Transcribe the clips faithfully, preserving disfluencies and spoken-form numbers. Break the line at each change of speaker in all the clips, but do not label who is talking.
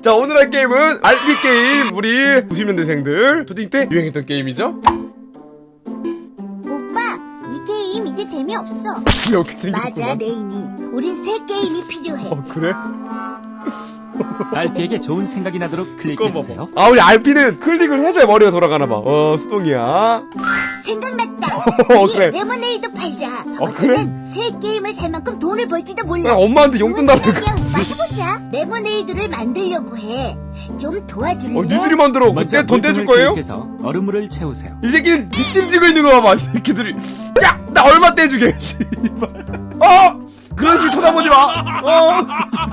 자, 오늘 할 게임은 알피 게임. 우리 구십 년대생들 초딩 때 유행했던 게임이죠.
오빠, 이 게임 이제 재미없어.
이렇게 생겼구나.
맞아, 레인이. 우린 새 게임이 필요해.
어, 그래?
알피에게 좋은 생각이 나도록 클릭해주세요.
아, 우리 알피는 클릭을 해줘야 머리가 돌아가나봐. 어, 수동이야.
생각났다.
어,
우리
그래.
레모네이드 팔자.
어, 그래?
어쩌면 새 게임을 살 만큼 돈을 벌지도 몰라.
그냥 엄마한테 용돈 달라고
그냥 오빠
그러지.
해보자. 레모네이드를 만들려고 해. 좀 도와줄래?
어, 니들이 만들어.
먼저
그때 돈 떼줄
물품을
거예요?
클릭해서 얼음물을 채우세요.
이 새끼는 뒷짐지고 있는 거 봐봐. 이 새끼들이. 야! 나 얼마 떼주게. 씨발. 어! 그런 식으로 쳐다보지 마. 어!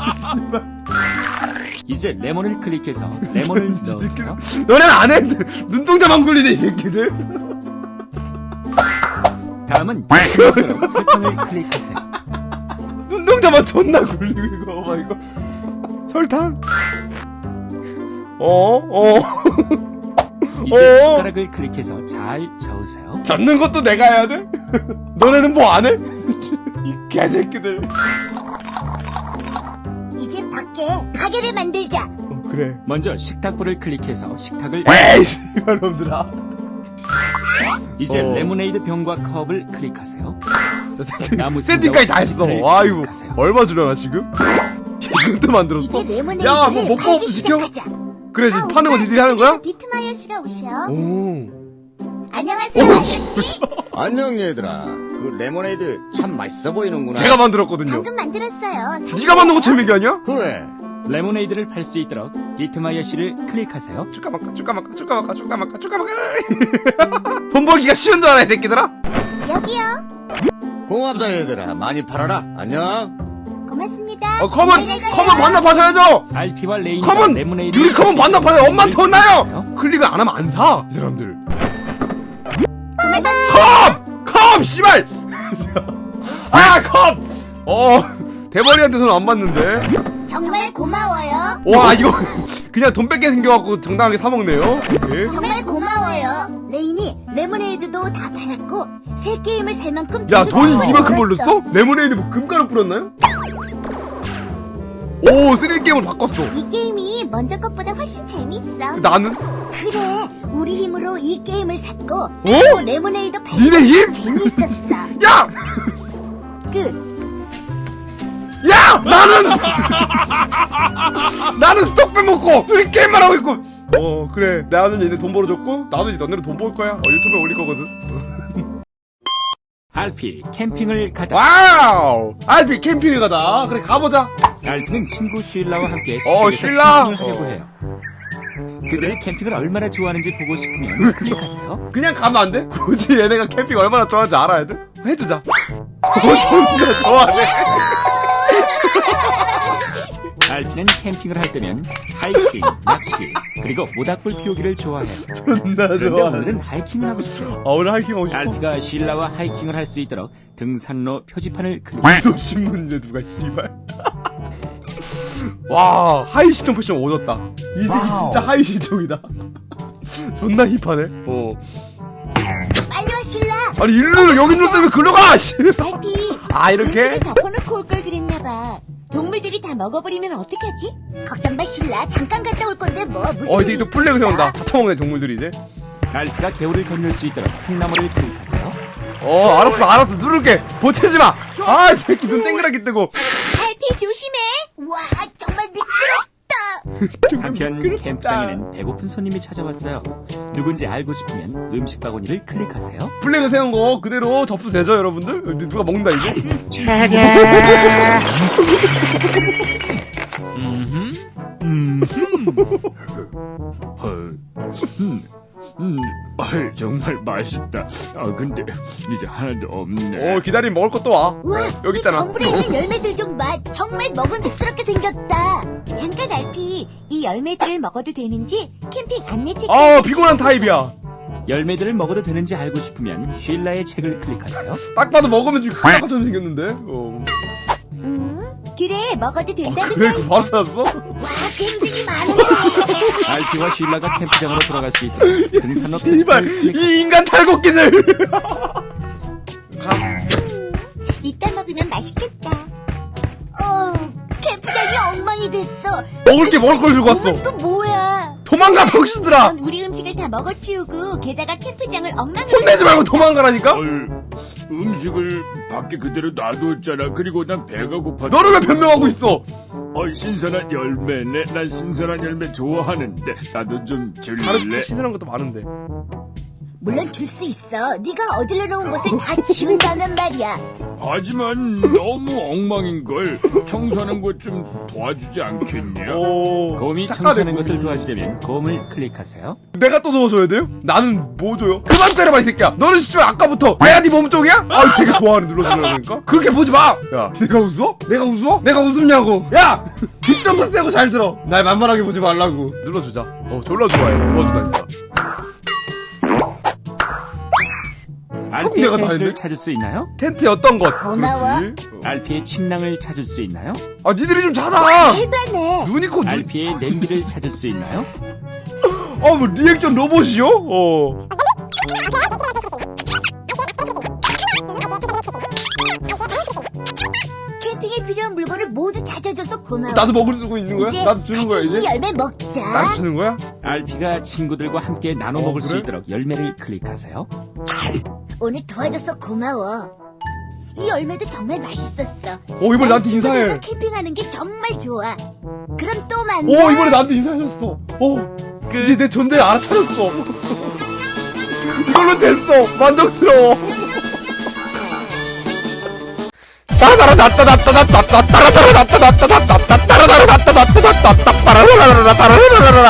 이제 레몬을 클릭해서 레몬을 넣으세요.
너네는 안 해. 눈동자만 굴리네, 이 새끼들.
다음은 기본적으로 설탕을 클릭하세요.
눈동자만 존나 굴리고 이거 봐 이거. 설탕. 어? 어?
이제
어?
숟가락을 클릭해서 잘 저으세요.
잡는 것도 내가 해야 돼? 너네는 뭐 안 해? 이 개새끼들.
이제 밖에 가게를 만들자.
어, 그래.
먼저 식탁불을 클릭해서 식탁을
에이, 씨발 놈들아.
이제
어.
레모네이드 병과 컵을 클릭하세요.
자, 세팅,
나무
세팅까지 다 했어.
네,
아이고,
클릭하세요.
얼마 주려나 지금? 이것도 만들었어?
이제 레모네이드를
야, 뭐 먹방부터
팔기
시켜?
시작하자.
그래,
아,
파는 거
오빠,
니들이 하는 거야?
디트마이어 씨가 오셔.
오.
안녕하세요,
오,
아저씨.
안녕 얘들아. 그 레모네이드 참 맛있어 보이는구나.
제가 만들었거든요.
방금 만들었어요.
네가 만든 거 재미기 아니야?
그래.
레모네이드를 팔 수 있도록 디트마이어 씨를 클릭하세요.
축가 막가, 축가 막가, 축가 막가, 축가 막가, 축가 막가. 돈 벌기가 쉬운 줄 알아, 이 새끼들아?
여기요.
고맙다 얘들아. 많이 팔아라. 안녕.
고맙습니다.
어, 컴은,
안녕히 가요.
컴은 반납하셔야죠!
알피와 레인이
컴은!
레모네이드
유리 컴은 반납하세요! 엄마한테 혼나요! 클릭을 안 하면 안 사! 이 사람들. 컴! 컴! 씨발! 아, 컴! 어, 대머리한테서는 안 받는데.
정말 고마워요.
와, 이거 그냥 돈 뺏게 생겨갖고 정당하게 사먹네요. 오케이.
정말 고마워요. 레인이 레모네이드도 다 팔았고 새 게임을 살 만큼
야,
돈도
돈이
많이
이만큼
벌었어.
벌렸어? 레모네이드 뭐 금가루 뿌렸나요? 오, 쓰리 게임을 바꿨어.
이 게임이 먼저 것보다 훨씬 재밌어.
나는?
그래, 우리 힘으로 이 게임을 샀고
어?
또 레모네이드 팔고
니네 힘?
재밌었어.
야!
끝.
야! 나는! 나는 스톡 빼먹고 둘이 게임만 하고 있고. 어, 그래. 나는 얘네 돈 벌어줬고 나도 이제 너네를 돈 벌 거야. 어, 유튜브에 올릴 거거든.
알피 캠핑을 가다.
와우! 알피 캠핑에 가다. 그래, 가보자.
알피는 친구 쉴라와 함께
어,
시댁에서
쉴라?
캠핑을 하려고
어.
해요. 그들이 캠핑을 얼마나 좋아하는지 보고 싶으면 클릭하세요.
그냥 가면 안 돼? 굳이 얘네가 캠핑 얼마나 좋아하는지 알아야 돼? 해주자. 어, 존나 좋아하네.
알피는 캠핑을 할 때면 하이킹, 낚시, 그리고 모닥불 피우기를 좋아해요.
존나
그런데
좋아하네.
오늘은 하이킹을 하고 싶어요.
아, 오늘 하이킹 하고 싶어?
알피가 쉴라와 하이킹을 할 수 있도록 등산로 표지판을 클릭.
또 신문이네, 누가, 씨발. 와, 하이 실종 패션 오졌다. 이 새끼 진짜 하이 실종이다. 존나 힙하네. 어.
빨리 와 슐라.
아니, 일로 여기 일로 때문에 글로 가! 씨.
알피.
아, 이렇게?
덮어놓고 올 걸 그랬나봐. 동물들이 다 먹어버리면 어떡하지? 걱정 마 슐라. 잠깐 갔다 올 건데 뭐 무슨
어, 이 새끼
일이
또 플래그
있어?
세운다. 다 처먹네, 동물들이 이제.
알피가 개울을 건널 수 있도록 콩나물을 클릭하세요.
어, 알았어, 알았어. 누를게. 보채지 마! 아, 이 새끼 눈 땡그랗게 뜨고.
알피 조심해. 와 정말 미끄럽다.
한편
미끄럽다.
캠프장에는 배고픈 손님이 찾아왔어요. 누군지 알고 싶으면 음식 바구니를 클릭하세요.
플래그 세운 거 그대로 접수되죠, 여러분들? 누가 먹는다, 이제?
음흠. 음흠. 헐. 음. 음. 헐, 정말 맛있다. 아, 근데 이제 하나도 없네.
어, 기다리면 먹을 것도 와.
우와,
여기 있잖아.
이 덤불에 있는 열매들 좀 봐. 정말 먹음직스럽게 생겼다. 잠깐 알피, 이 열매들을 먹어도 되는지 캠핑 안내 책.
아, 피곤한 타입이야.
열매들을 먹어도 되는지 알고 싶으면 쉴라의 책을 클릭하세요.
딱 봐도 먹으면 좀 큰일 것처럼 생겼는데. 어.
음, 그래 먹어도 된다는
그래,
거.
그 바로 찾았어?
와, 굉장히 많은데.
알피와 쉴라가 캠프장으로 돌아갈 수 있도록 등산로
씨발,
표지판을 클릭.
이 인간 탈곡기들! 가.
음, 이따 먹으면 맛있겠다. 어, 캠프장이 엉망이 시간이 됐어.
먹을 게 먹을 걸 들고 왔어.
그건 또 뭐야?
도망가 병신들아.
넌 우리 음식을 다 먹어치우고 게다가 캠프장을 엉망으로
혼내지 말고 도망가라니까.
헐, 음식을 밖에 그대로 놔두었잖아. 그리고 난 배가 고파.
너를 왜 변명하고 있어?
어, 신선한 열매네. 난 신선한 열매 좋아하는데 나도 좀 줄래?
다른 신선한 것도 많은데.
물론 줄 수 있어. 네가 어디로 놓은 것을 다 치운다면 말이야.
하지만 너무 엉망인걸. 청소하는 것 좀 도와주지 않겠냐?
오.
곰이
착하네,
청소하는
곰이.
것을 도와주려면 곰을 클릭하세요.
내가 또 도와줘야 돼요? 나는 뭐 줘요? 그만 때려봐 이 새끼야. 너는 진짜 아까부터 내가 네 몸쪽이야? 아 되게 좋아하는 눌러주려니까. 그렇게 보지 마. 야 내가 웃어? 내가 웃어? 내가 웃음냐고. 야 뒷정서 세고 잘 들어. 날 만만하게 보지 말라고. 눌러주자. 어 졸라 좋아해. 도와준다니까.
알피의
내가 다
텐트를
했네?
찾을 수 있나요?
텐트에 어떤 것?
고마워.
그렇지. 어.
알피의 침낭을 찾을 수 있나요?
아 니들이 좀 찾아.
대단해.
눈이 코 눈.
알피의 냄비를 찾을 수 있나요?
어뭐 리액션 로봇이요? 어.
캠핑에 필요한 물건을 모두 찾아줘서 고마워.
나도 먹을 수 있는 거야?
이제
나도 주는 거야
이
이제?
열매 먹자.
나도 주는 거야?
알피가 친구들과 함께 나눠
어,
먹을 수
그래?
있도록 열매를 클릭하세요.
오늘 도와줘서 고마워. 이 열매도 정말 맛있었어.
오 이번에 나한테 인사해.
친구들과 캠핑하는 게 정말 좋아. 그럼 또 만나.
오 이번에 나한테 인사하셨어. 오 이제 내 존재 알아차렸어. 이걸로 됐어. 만족스러워. 따라따라 나따 나따 나따 따라따라 나따 나따 나따 따라따라 나따 나따 나따 따라라라라 따라라라라